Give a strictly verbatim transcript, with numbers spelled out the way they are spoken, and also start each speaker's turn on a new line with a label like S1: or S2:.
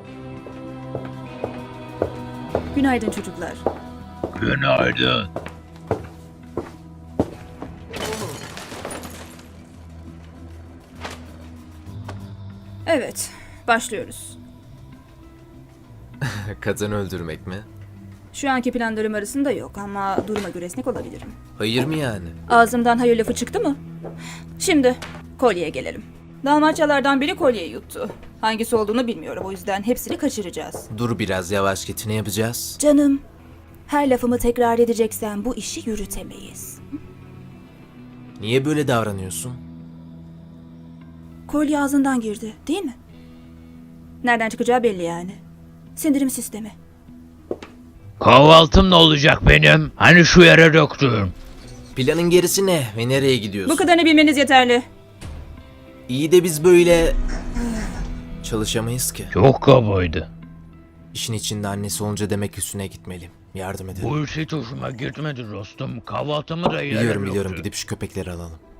S1: Günaydın çocuklar.
S2: Günaydın.
S1: Evet, başlıyoruz.
S3: Kadın öldürmek mi?
S1: Şu anki planlarım arasında yok ama duruma göre esnek olabilirim.
S3: Hayır mı yani?
S1: Ağzımdan hayır lafı çıktı mı? Şimdi kolyeye gelelim. Dalmaçyalardan biri kolyeyi yuttu. Hangisi olduğunu bilmiyorum, o yüzden hepsini kaçıracağız.
S3: Dur biraz yavaş git, ne yapacağız?
S1: Canım, her lafımı tekrar edeceksen bu işi yürütemeyiz.
S3: Niye böyle davranıyorsun?
S1: Kolye ağzından girdi, değil mi? Nereden çıkacağı belli yani. Sindirim sistemi.
S2: Kahvaltım ne olacak benim? Hani şu yere döktüm.
S3: Planın gerisi ne ve nereye gidiyorsun?
S1: Bu kadarını bilmeniz yeterli.
S3: İyi de biz böyle... çalışamayız ki.
S2: Çok kabaydı.
S3: İşin içinde annesi olunca demek üstüne gitmeliyim. Yardım edelim.
S2: Bu iş hiç hoşuma gitmedi dostum. Kahvaltımı da yere
S3: Biliyorum biliyorum,
S2: döktü.
S3: gidip şu köpekleri alalım.